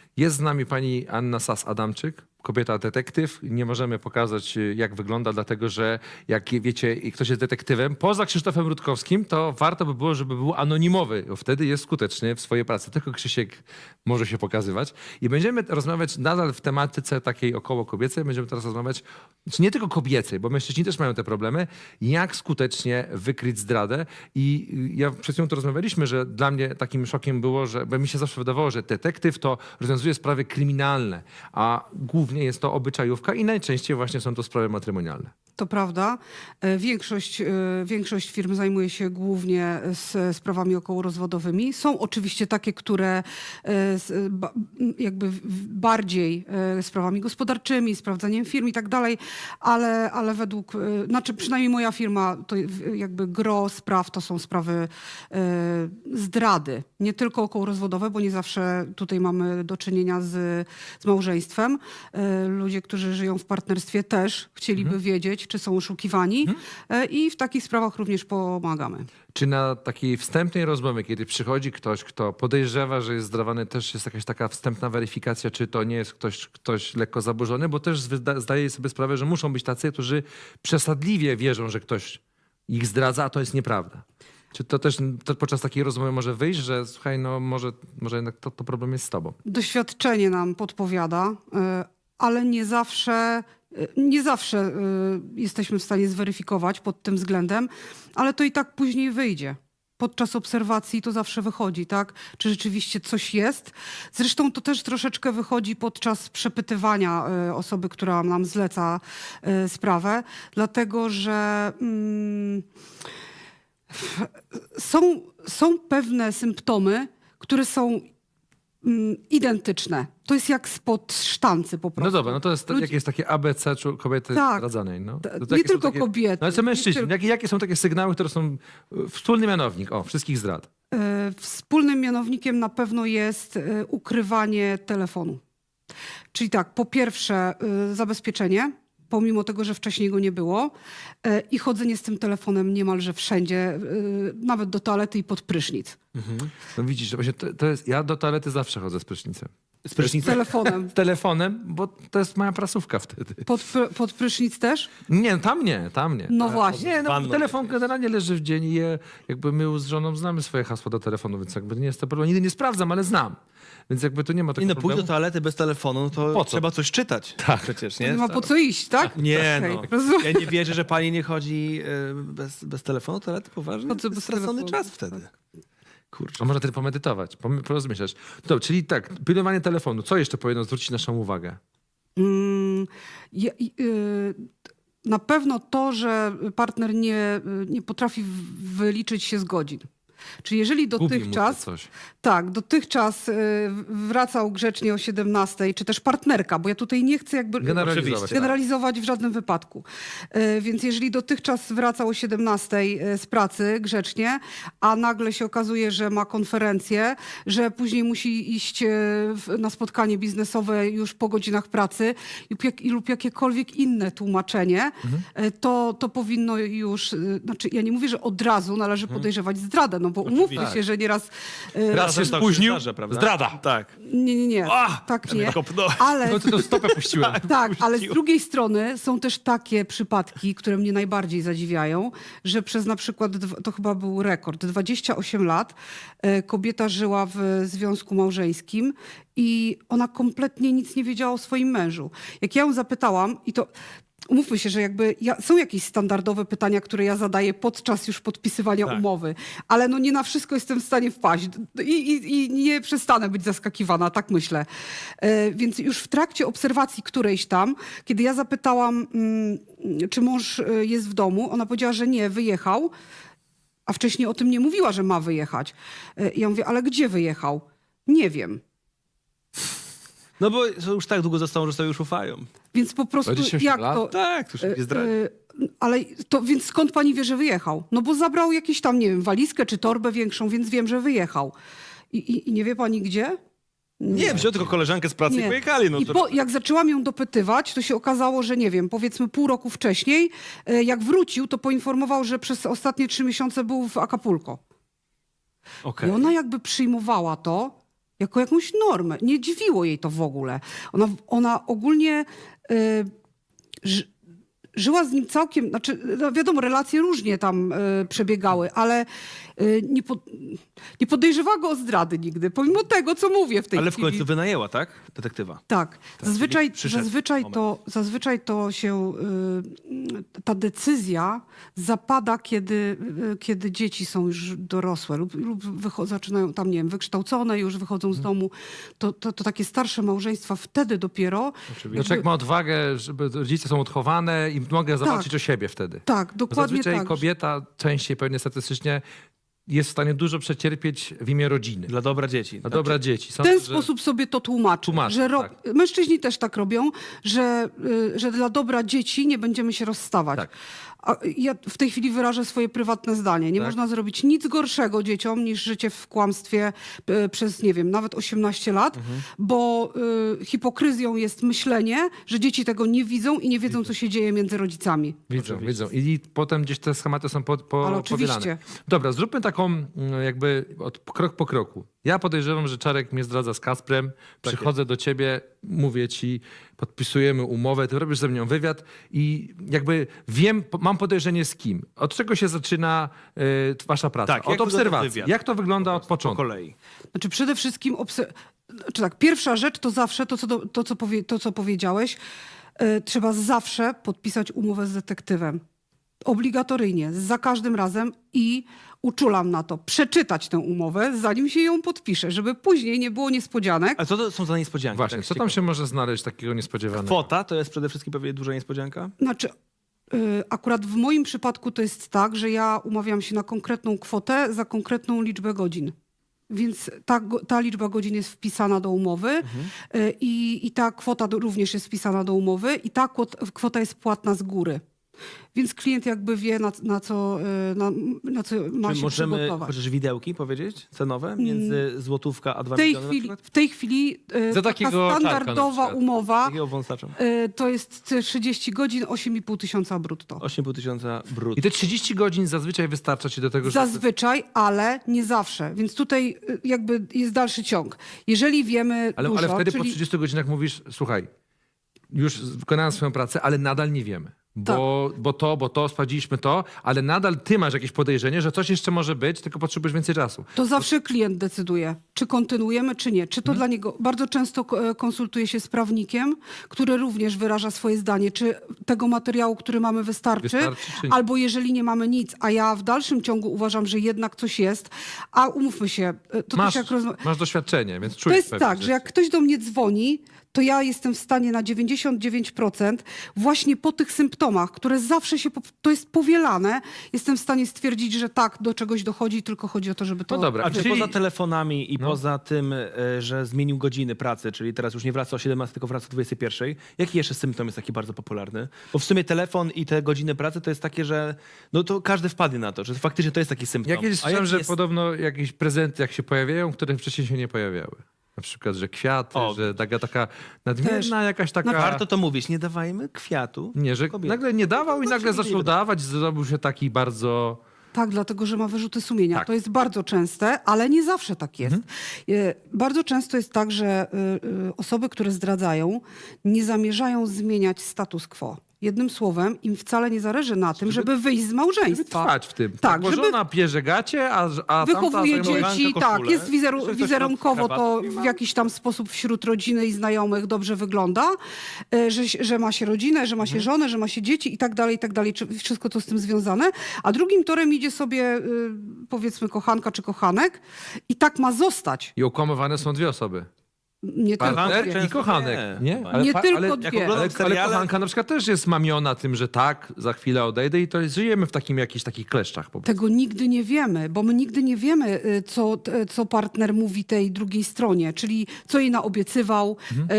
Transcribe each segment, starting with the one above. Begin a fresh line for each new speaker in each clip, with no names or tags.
Jest z nami pani Anna Sas-Adamczyk, kobieta detektyw. Nie możemy pokazać, jak wygląda, dlatego że jak wiecie, i ktoś jest detektywem, poza Krzysztofem Rutkowskim, to warto by było, żeby był anonimowy, bo wtedy jest skuteczny w swojej pracy. Tylko Krzysiek może się pokazywać. I będziemy rozmawiać nadal w tematyce takiej około kobiecej. Będziemy teraz rozmawiać, czy nie tylko kobiecej, bo mężczyźni też mają te problemy, jak skutecznie wykryć zdradę. I ja przed chwilą to rozmawialiśmy, że dla mnie takim szokiem było, że bo mi się zawsze wydawało, że detektyw to rozwiązuje sprawy kryminalne, a głównie jest to obyczajówka i najczęściej właśnie są to sprawy matrymonialne.
To prawda. Większość firm zajmuje się głównie sprawami okołorozwodowymi. Są oczywiście takie, które jakby bardziej sprawami gospodarczymi, sprawdzaniem firm i tak dalej, ale według, znaczy przynajmniej moja firma, to jakby gros spraw to są sprawy zdrady. Nie tylko okołorozwodowe, bo nie zawsze tutaj mamy do czynienia z małżeństwem. Ludzie, którzy żyją w partnerstwie też chcieliby wiedzieć, czy są oszukiwani i w takich sprawach również pomagamy.
Czy na takiej wstępnej rozmowie, kiedy przychodzi ktoś, kto podejrzewa, że jest zdrawany, też jest jakaś taka wstępna weryfikacja, czy to nie jest ktoś lekko zaburzony? Bo też zdaję sobie sprawę, że muszą być tacy, którzy przesadliwie wierzą, że ktoś ich zdradza, a to jest nieprawda. Czy to też podczas takiej rozmowy może wyjść, że słuchaj, no może jednak to problem jest z tobą?
Doświadczenie nam podpowiada, ale nie zawsze jesteśmy w stanie zweryfikować pod tym względem, ale to i tak później wyjdzie. Podczas obserwacji to zawsze wychodzi, tak? Czy rzeczywiście coś jest? Zresztą to też troszeczkę wychodzi podczas przepytywania osoby, która nam zleca sprawę, dlatego że są pewne symptomy, które są identyczne. To jest jak spod sztancy po prostu.
No dobra, no to jest, jakie jest takie ABC kobiety
Tak.
zdradzanej? No?
Nie tylko kobiety.
No ale co mężczyźni?
Nie
Jakie są takie sygnały, które są wspólny mianownik wszystkich zdrad?
Wspólnym mianownikiem na pewno jest ukrywanie telefonu. Czyli tak, po pierwsze zabezpieczenie, pomimo tego, że wcześniej go nie było i chodzenie z tym telefonem niemalże wszędzie, nawet do toalety i pod prysznic.
No widzisz, że właśnie to jest, ja do toalety zawsze chodzę z prysznicem.
Z telefonem.
Z telefonem, bo to jest moja prasówka wtedy.
Pod prysznic też?
Nie, tam nie.
No właśnie.
Nie, no,
Wanną
telefon
jakieś.
generalnie leży w dzień i jakby my z żoną znamy swoje hasło do telefonu, więc jakby nie jest to problem. Nigdy nie sprawdzam, ale znam. Więc jakby tu nie ma
Nie
takiego
no, pójść
problemu.
do toalety bez telefonu, no to
Po co?
trzeba coś czytać.
Tak.
Przecież,
Nie
nie?
ma po co iść, tak?
Nie
Okej,
no.
rozumiem.
Ja nie wierzę, że pani nie chodzi bez telefonu do toalety, poważnie?
Po co
To jest
bez
stracony
telefonu?
czas wtedy. Kurczę.
A można wtedy pomedytować, porozmyślać. Dobrze, czyli tak, pilnowanie telefonu. Co jeszcze powinno zwrócić naszą uwagę?
Na pewno to, że partner nie potrafi wyliczyć się z godzin. Czyli jeżeli
Gubi mu to
dotychczas,
coś.
tak, dotychczas wracał grzecznie o 17, czy też partnerka, bo ja tutaj nie chcę jakby
Generalizować.
Oczywiście.
generalizować w żadnym wypadku. Więc jeżeli dotychczas wracał o 17 z pracy grzecznie, a nagle się okazuje, że ma konferencję, że później musi iść na spotkanie biznesowe już po godzinach pracy lub jakiekolwiek inne tłumaczenie, to powinno już, znaczy ja nie mówię, że od razu należy podejrzewać zdradę, no bo umówmy
Oczywiście.
się, że nieraz...
Raz się
Czasem tak
spóźnił,
zdarza, prawda?
zdrada.
Tak.
Nie,
A!
tak nie.
Kopnąłem.
Ale...
No to stopę puściłem.
Tak, ale z drugiej strony są też takie przypadki, które mnie najbardziej zadziwiają, że przez na przykład, to chyba był rekord, 28 lat kobieta żyła w związku małżeńskim i ona kompletnie nic nie wiedziała o swoim mężu. Jak ja ją zapytałam, i to... Umówmy się, że jakby są jakieś standardowe pytania, które ja zadaję podczas już podpisywania
Tak.
umowy, ale no nie na wszystko jestem w stanie wpaść i nie przestanę być zaskakiwana, tak myślę. Więc już w trakcie obserwacji którejś tam, kiedy ja zapytałam, czy mąż jest w domu, ona powiedziała, że nie, wyjechał, a wcześniej o tym nie mówiła, że ma wyjechać. Ja mówię, ale gdzie wyjechał? Nie wiem.
No bo już tak długo zostało, że sobie już ufają.
Więc po prostu
28
jak
lat?
to...
Tak, to już nie zdradzi.
Ale to więc skąd pani wie, że wyjechał? No bo zabrał jakieś tam, nie wiem, walizkę czy torbę większą, więc wiem, że wyjechał. I nie wie pani gdzie?
Nie, wziął tylko koleżankę z pracy i
Nie.
pojechali. No
I
to...
jak zaczęłam ją dopytywać, to się okazało, że nie wiem, powiedzmy pół roku wcześniej, jak wrócił, to poinformował, że przez ostatnie 3 miesiące był w Acapulco.
Okej.
I ona jakby przyjmowała to, jako jakąś normę. Nie dziwiło jej to w ogóle. Ona ogólnie żyła z nim całkiem, znaczy no wiadomo, relacje różnie tam przebiegały, ale nie podejrzewała go o zdrady nigdy, pomimo tego, co mówię w tej
Ale w
chwili.
końcu wynajęła, tak? Detektywa.
Tak.
czyli przyszedł
Zazwyczaj to się, ta decyzja zapada, kiedy dzieci są już dorosłe lub zaczynają tam, nie wiem, wykształcone, już wychodzą z domu. To takie starsze małżeństwa wtedy dopiero...
No, człowiek ma odwagę, żeby rodzice są odchowane i mogę zawalczyć o siebie wtedy.
Tak, dokładnie
Zazwyczaj
tak.
kobieta częściej pewnie statystycznie jest w stanie dużo przecierpieć w imię rodziny.
Dla dobra dzieci.
Dla dobra dzieci.
W
Sądzę,
ten
że-
sposób sobie to tłumaczy, że
tak.
mężczyźni też tak robią, że dla dobra dzieci nie będziemy się rozstawać.
Tak.
A ja w tej chwili wyrażę swoje prywatne zdanie. Nie
Tak.
można zrobić nic gorszego dzieciom niż życie w kłamstwie przez, nie wiem, nawet 18 lat, bo hipokryzją jest myślenie, że dzieci tego nie widzą i nie wiedzą, co się dzieje między rodzicami.
Widzą. I potem gdzieś te schematy są
Ale oczywiście.
powielane. Dobra, zróbmy taką jakby krok po kroku. Ja podejrzewam, że Czarek mnie zdradza z Kasprem. Przychodzę do ciebie, mówię ci, podpisujemy umowę, ty robisz ze mną wywiad i jakby wiem, mam podejrzenie z kim. Od czego się zaczyna wasza praca?
Tak, jak
Od
wygląda
obserwacji.
wywiad?
Jak to wygląda od
Po
początku?
kolei.
Znaczy przede wszystkim, pierwsza rzecz to zawsze to, co powiedziałeś, trzeba zawsze podpisać umowę z detektywem. Obligatoryjnie, za każdym razem i uczulam na to, przeczytać tę umowę, zanim się ją podpiszę, żeby później nie było niespodzianek.
A co to są za niespodzianki?
Właśnie,
Tak
co tam się może znaleźć takiego niespodziewanego?
Kwota to jest przede wszystkim pewnie duża niespodzianka?
Znaczy, akurat w moim przypadku to jest tak, że ja umawiam się na konkretną kwotę za konkretną liczbę godzin. Więc ta liczba godzin jest wpisana do umowy i ta kwota również jest wpisana do umowy i ta kwota jest płatna z góry. Więc klient jakby wie, na co ma
Czy
się
możemy
przygotować.
chociaż widełki powiedzieć cenowe między złotówka a 2
W
miliony na
tej chwili
Za
taka
takiego czarka na
standardowa
przykład.
umowa
Takiego wąsacza.
to jest 30 godzin, 8,5 tysiąca brutto.
8,5 tysiąca brutto.
I te 30 godzin zazwyczaj wystarcza ci do tego, żeby...
Zazwyczaj, ale nie zawsze. Więc tutaj jakby jest dalszy ciąg. Jeżeli wiemy
Ale
dużo,
wtedy po
czyli
30 godzinach mówisz, słuchaj, już wykonałem swoją pracę, ale nadal nie wiemy. Bo to, sprawdziliśmy to, ale nadal ty masz jakieś podejrzenie, że coś jeszcze może być, tylko potrzebujesz więcej czasu.
to zawsze klient decyduje, czy kontynuujemy, czy nie. Czy to dla niego... Bardzo często konsultuje się z prawnikiem, który również wyraża swoje zdanie, czy tego materiału, który mamy, wystarczy
czy nie.
albo jeżeli nie mamy nic, a ja w dalszym ciągu uważam, że jednak coś jest, a umówmy się, to
Masz,
też jak
masz doświadczenie, więc
To
czujesz
jest
pewne
tak,
rzeczy.
że jak ktoś do mnie dzwoni, to ja jestem w stanie na 99% właśnie po tych symptomach, które zawsze się, to jest powielane, jestem w stanie stwierdzić, że tak, do czegoś dochodzi, tylko chodzi o to, żeby to...
No dobra.
A czy
Czyli-
poza telefonami i poza tym, że zmienił godziny pracy, czyli teraz już nie wraca o 17, tylko wraca o 21, jaki jeszcze symptom jest taki bardzo popularny? Bo w sumie telefon i te godziny pracy to jest takie, że no to każdy wpadnie na to, że faktycznie to jest taki symptom.
Ja kiedyś
A
słyszałem,
jaki
że
jest...
podobno jakieś prezenty, jak się pojawiają, które wcześniej się nie pojawiały. Na przykład, że kwiaty,
O.
że taka nadmierna
Też.
jakaś taka...
No warto to mówić, nie dawajmy kwiatu.
Nie, że
kobiecie.
nagle nie dawał i
No,
nagle
czyli
zaczął
nie
dawać, zrobił się taki bardzo...
Tak, dlatego, że ma wyrzuty sumienia.
Tak.
To jest bardzo częste, ale nie zawsze tak jest. Bardzo często jest tak, że osoby, które zdradzają, nie zamierzają zmieniać status quo. Jednym słowem, im wcale nie zależy na tym, żeby wyjść z
Żeby
małżeństwa.
trwać w tym.
Tak,
bo
żeby
żona pierze gacie, a
wychowuje
tamta zajmuje-
dzieci,
koszulę.
tak, jest
Jeszcze coś
wizerunkowo
tam
to
krawatki
w jakiś tam sposób wśród rodziny i znajomych dobrze wygląda, że ma się rodzinę, że ma się żonę, że ma się dzieci i tak dalej, czy wszystko to z tym związane. A drugim torem idzie sobie powiedzmy kochanka czy kochanek i tak ma zostać.
I okłamywane są dwie osoby.
Nie tylko
Partner
dwie.
i
często
kochanek.
nie.
Nie?
Nie tylko
ale,
dwie.
oglądam
ale
seriale-
kochanka na przykład też jest mamiona tym, że tak, za chwilę odejdę i to jest, żyjemy w takim jakichś takich kleszczach po prostu.
Tego nigdy nie wiemy, bo my nigdy nie wiemy, co partner mówi tej drugiej stronie, czyli co jej naobiecywał,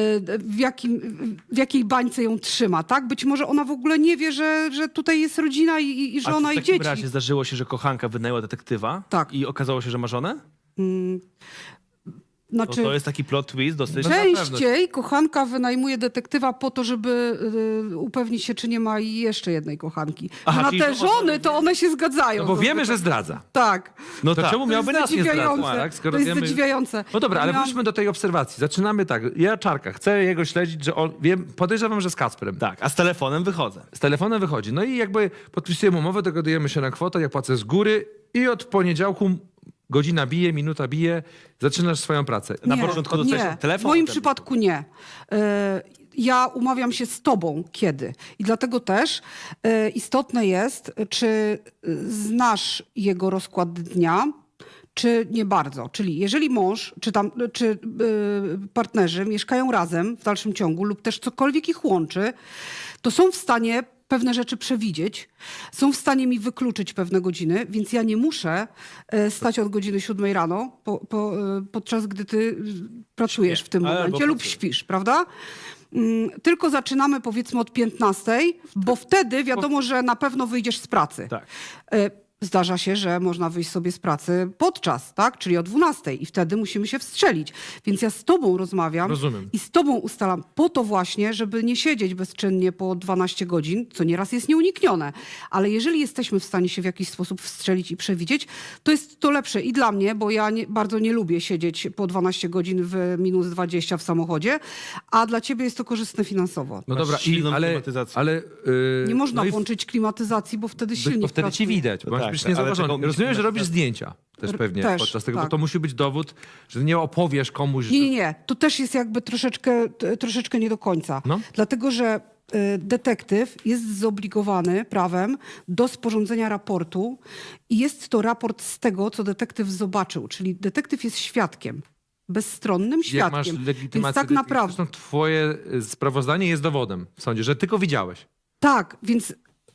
w jakiej bańce ją trzyma, tak? Być może ona w ogóle nie wie, że tutaj jest rodzina i
A
żona
czy
i
w takim
dzieci.
razie zdarzyło się, że kochanka wynajęła detektywa
Tak.
i okazało się, że ma żonę?
Znaczy,
To jest taki plot twist dosyć.
No na pewno.
częściej kochanka wynajmuje detektywa po to, żeby upewnić się, czy nie ma jeszcze jednej kochanki.
Aha,
A na
czyli
te
to
żony, to one się zgadzają.
No bo wiemy,
zazwyczaj.
że zdradza.
Tak.
No
To
tak.
czemu miałby nas nie zdradzać?
zadziwiające.
Tak? Skoro
To jest
wiemy...
zadziwiające.
No dobra, ale
Miałam-
wróćmy do tej obserwacji. Zaczynamy tak. Ja Czarka, chcę jego śledzić, że on, podejrzewam, że z Kacprem.
Tak, a z telefonem wychodzę.
Z telefonem wychodzi. No i jakby podpisujemy umowę, dogadujemy się na kwotę, ja płacę z góry i od poniedziałku godzina bije, minuta bije, zaczynasz swoją pracę.
Na
Nie,
początku dostajesz
nie.
telefon,
W moim
potem-
przypadku nie. Ja umawiam się z tobą kiedy. I dlatego też istotne jest, czy znasz jego rozkład dnia, czy nie bardzo. Czyli jeżeli mąż, czy partnerzy mieszkają razem w dalszym ciągu lub też cokolwiek ich łączy, to są w stanie pewne rzeczy przewidzieć, są w stanie mi wykluczyć pewne godziny, więc ja nie muszę stać od godziny 7 rano, podczas gdy ty pracujesz w tym
albo
momencie lub
pracuję.
śpisz, prawda? Tylko zaczynamy powiedzmy od 15, bo wtedy wiadomo, że na pewno wyjdziesz z pracy.
Tak.
Zdarza się, że można wyjść sobie z pracy podczas, tak? Czyli o 12 i wtedy musimy się wstrzelić. Więc ja z tobą rozmawiam
Rozumiem.
i z tobą ustalam po to właśnie, żeby nie siedzieć bezczynnie po 12 godzin, co nieraz jest nieuniknione. Ale jeżeli jesteśmy w stanie się w jakiś sposób wstrzelić i przewidzieć, to jest to lepsze i dla mnie, bo ja bardzo nie lubię siedzieć po 12 godzin w minus 20 w samochodzie, a dla ciebie jest to korzystne finansowo.
No
Masz
dobra,
silną klimatyzację.
ale
Nie można
no i
włączyć klimatyzacji, bo wtedy silnik
bo wtedy ci
pracuje.
widać, bo masz
Tak,
być
ale
niezauważony.
tego
Rozumiem, że
musi-
robisz zdjęcia też pewnie
Też,
podczas tego,
tak.
bo to musi być dowód, że nie opowiesz komuś, że...
Nie. To też jest jakby troszeczkę nie do końca.
No.
Dlatego, że detektyw jest zobligowany prawem do sporządzenia raportu i jest to raport z tego, co detektyw zobaczył. Czyli detektyw jest świadkiem. Bezstronnym
Jak masz
świadkiem.
legitymację,
Więc tak naprawdę.
zresztą twoje sprawozdanie jest dowodem w sądzie, że tylko widziałeś.
Tak, więc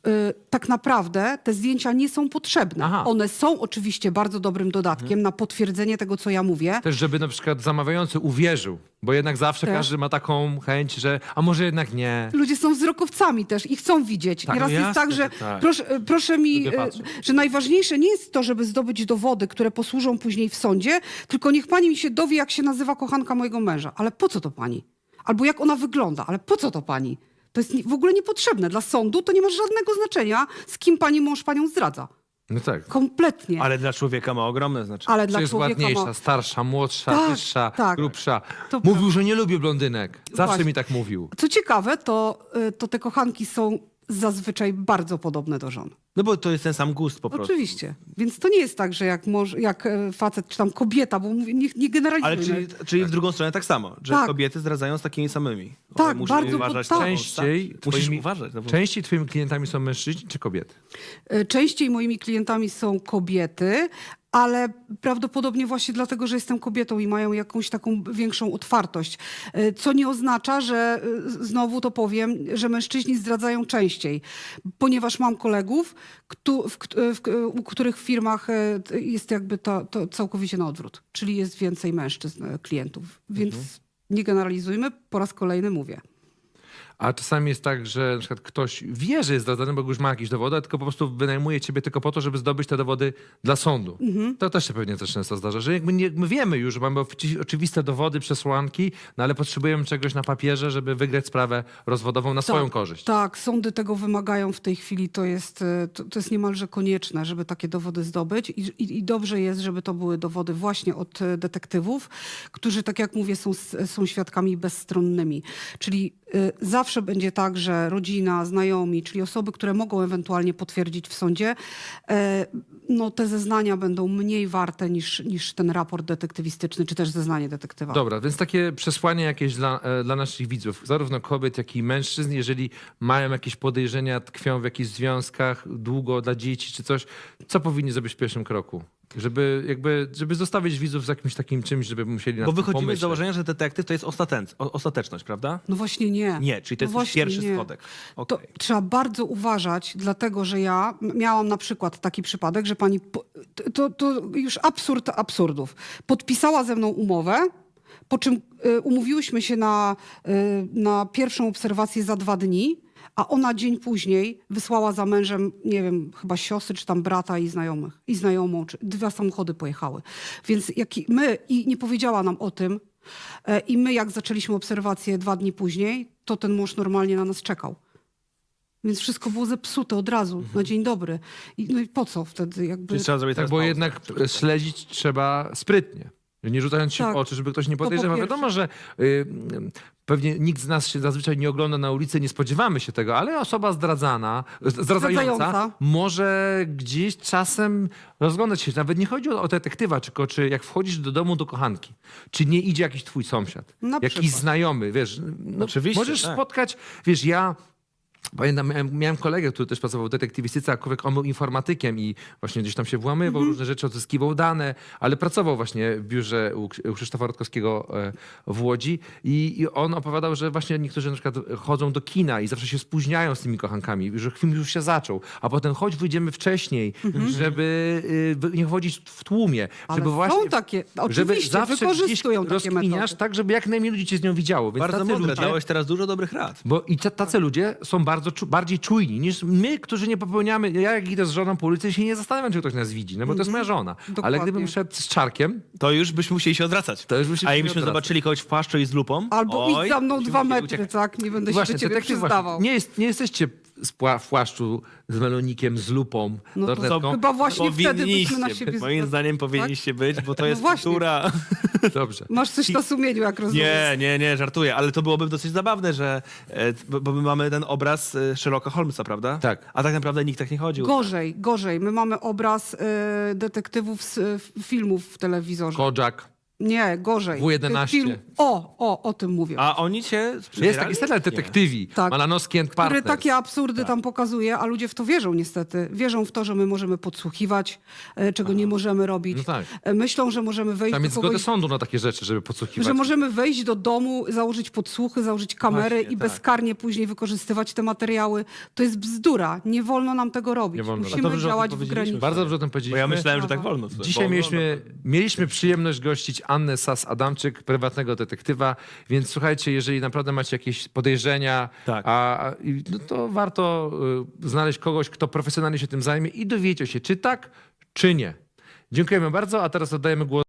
tak naprawdę te zdjęcia nie są potrzebne.
Aha.
One są oczywiście bardzo dobrym dodatkiem na potwierdzenie tego, co ja mówię.
Też, żeby na przykład zamawiający uwierzył, bo jednak zawsze
Też.
każdy ma taką chęć, że a może jednak nie.
Ludzie są wzrokowcami też i chcą widzieć.
Tak,
Nieraz
no
jest
jasne,
tak, że
że tak.
proszę mi,
Lubię patrzeć.
że najważniejsze nie jest to, żeby zdobyć dowody, które posłużą później w sądzie, tylko niech pani mi się dowie, jak się nazywa kochanka mojego męża. Ale po co to pani? Albo jak ona wygląda, ale po co to pani? To jest w ogóle niepotrzebne. Dla sądu to nie ma żadnego znaczenia, z kim pani mąż panią zdradza.
No tak.
Kompletnie.
Ale dla człowieka ma ogromne znaczenie.
Ale
Czy
dla
jest
człowieka
ładniejsza,
ma...
starsza, młodsza,
Tak,
wyższa,
tak.
grubsza.
To
Mówił, że nie lubi blondynek. Zawsze
Właśnie.
mi tak mówił.
Co ciekawe, to te kochanki są zazwyczaj bardzo podobne do żon.
No bo to jest ten sam gust po prostu.
Oczywiście. Więc to nie jest tak, że jak facet czy tam kobieta, bo mówię, nie generalizujmy.
Ale czyli w drugą stronę tak samo, że
Tak.
kobiety zdradzają z takimi samymi.
Tak,
Musimy
bardzo
uważać
tak.
na-
Częściej
Musisz
twoimi-
uważać. No bo...
Częściej twoimi klientami są mężczyźni czy kobiety?
Częściej moimi klientami są kobiety, ale prawdopodobnie właśnie dlatego, że jestem kobietą i mają jakąś taką większą otwartość. Co nie oznacza, że znowu to powiem, że mężczyźni zdradzają częściej, ponieważ mam kolegów, u których w firmach jest jakby to całkowicie na odwrót, czyli jest więcej mężczyzn klientów. Więc nie generalizujmy, po raz kolejny mówię.
A czasami jest tak, że na przykład ktoś wie, że jest zdradzany, bo już ma jakieś dowody, tylko po prostu wynajmuje ciebie tylko po to, żeby zdobyć te dowody dla sądu. To też się pewnie też często zdarza, że jakby my wiemy już, że mamy oczywiste dowody, przesłanki, no ale potrzebujemy czegoś na papierze, żeby wygrać sprawę rozwodową na swoją korzyść.
Tak, sądy tego wymagają w tej chwili. To jest niemalże konieczne, żeby takie dowody zdobyć i dobrze jest, żeby to były dowody właśnie od detektywów, którzy, tak jak mówię, są świadkami bezstronnymi. Czyli zawsze będzie tak, że rodzina, znajomi, czyli osoby, które mogą ewentualnie potwierdzić w sądzie, no te zeznania będą mniej warte niż ten raport detektywistyczny, czy też zeznanie detektywa.
Dobra, więc takie przesłanie jakieś dla naszych widzów, zarówno kobiet, jak i mężczyzn, jeżeli mają jakieś podejrzenia, tkwią w jakichś związkach, długo dla dzieci czy coś, co powinni zrobić w pierwszym kroku? Żeby zostawić widzów z jakimś takim czymś, żeby musieli na
Bo
tym
wychodzimy
pomyśleć.
z założenia, że detektyw to jest ostateczność, prawda?
No właśnie nie.
Nie, czyli to
No
jest
właśnie
pierwszy
nie.
schodek.
To
Okej.
trzeba bardzo uważać, dlatego że ja miałam na przykład taki przypadek, że pani, to już absurd absurdów, podpisała ze mną umowę, po czym umówiłyśmy się na pierwszą obserwację za 2 dni, a ona dzień później wysłała za mężem, nie wiem, chyba siostry, czy tam brata i znajomych, i znajomą, czy 2 samochody pojechały. Więc i nie powiedziała nam o tym, i my jak zaczęliśmy obserwację 2 dni później, to ten mąż normalnie na nas czekał. Więc wszystko było zepsute od razu, na dzień dobry. No i po co wtedy jakby...
Czyli trzeba zrobić
Tak,
teraz
bo
pauzę.
jednak śledzić trzeba sprytnie. Nie rzucając się
Tak.
w oczy, żeby ktoś nie
po
podejrzewał.
pierwsze.
Wiadomo, że pewnie nikt z nas się zazwyczaj nie ogląda na ulicy, nie spodziewamy się tego, ale osoba zdradzająca
Zdradzająca.
może gdzieś czasem rozglądać się. Nawet nie chodzi o detektywa, tylko czy jak wchodzisz do domu do kochanki, czy nie idzie jakiś twój sąsiad,
Na
jakiś
przykład.
znajomy, wiesz. No,
Oczywiście,
możesz
tak.
spotkać, wiesz, pamiętam, miałem kolegę, który też pracował w detektywistyce, a on był informatykiem i właśnie gdzieś tam się włamywał, różne rzeczy, odzyskiwał dane, ale pracował właśnie w biurze u Krzysztofa Rutkowskiego w Łodzi i on opowiadał, że właśnie niektórzy na przykład chodzą do kina i zawsze się spóźniają z tymi kochankami, że film już się zaczął, a potem wyjdziemy wcześniej, żeby nie chodzić w tłumie,
Ale
żeby właśnie...
są takie,
Żeby
oczywiście,
zawsze
wykorzystują
gdzieś
takie
rozkminiasz
metody.
tak, żeby jak najmniej ludzi cię z nią widziało. Więc
Bardzo
tacy
mądre,
ludzie-
dałeś teraz dużo dobrych rad.
bo i tacy ludzie są bardziej czujni niż my, którzy nie popełniamy. Ja jak idę z żoną po ulicy, się nie zastanawiam, czy ktoś nas widzi, no bo to jest moja żona. Ale
Dokładnie.
gdybym szedł z czarkiem,
To już byśmy musieli się odwracać.
To już byśmy
A
się
jakbyśmy
odwracać.
zobaczyli kogoś w płaszczu i z lupą,
Albo
oj,
idź za mną
byśmy
2
musieli
metry,
uciekać.
tak? Nie będę się
właśnie,
do ciebie
detektyw
przyznawał.
nie jesteście w płaszczu z melonikiem, z lupą,
No to
lornetką.
chyba właśnie wtedy byśmy na
Powinniście,
siebie...
moim zdaniem powinniście być, bo to
No
jest
właśnie.
kultura.
Dobrze.
Masz coś na sumieniu, jak rozumiem.
Nie, żartuję, ale to byłoby dosyć zabawne, że bo my mamy ten obraz Sherlocka Holmesa, prawda?
Tak.
A tak naprawdę nikt tak nie chodził.
Gorzej. My mamy obraz detektywów z filmów w telewizorze.
Kojak.
Nie, gorzej.
W11.
O tym mówię.
A oni cię
Jest
sprzedali?
taki serial detektywi.
Tak.
Malanowski and
Który
Partners.
takie absurdy tam pokazuje, a ludzie w to wierzą niestety. Wierzą w to, że my możemy podsłuchiwać, czego nie możemy robić.
No tak.
Myślą, że możemy wejść
Tam
do
jest zgodę
kogoś...
sądu na takie rzeczy, żeby podsłuchiwać.
Że możemy wejść do domu, założyć podsłuchy, założyć kamery
Właśnie,
i
tak.
bezkarnie później wykorzystywać te materiały. To jest bzdura. Nie wolno nam tego robić.
Nie wolno.
A to
Musimy
dobrze, że o tym
działać w
powiedzieliśmy.
granicach.
Bardzo dobrze o tym
Bo
powiedzieliśmy.
ja myślałem, że tak wolno.
Dzisiaj
Wolno,
mieliśmy przyjemność gościć Annę Sas-Adamczyk, prywatnego detektywa, więc słuchajcie, jeżeli naprawdę macie jakieś podejrzenia,
Tak.
no to warto znaleźć kogoś, kto profesjonalnie się tym zajmie i dowiecie się, czy tak, czy nie. Dziękujemy bardzo, a teraz oddajemy głos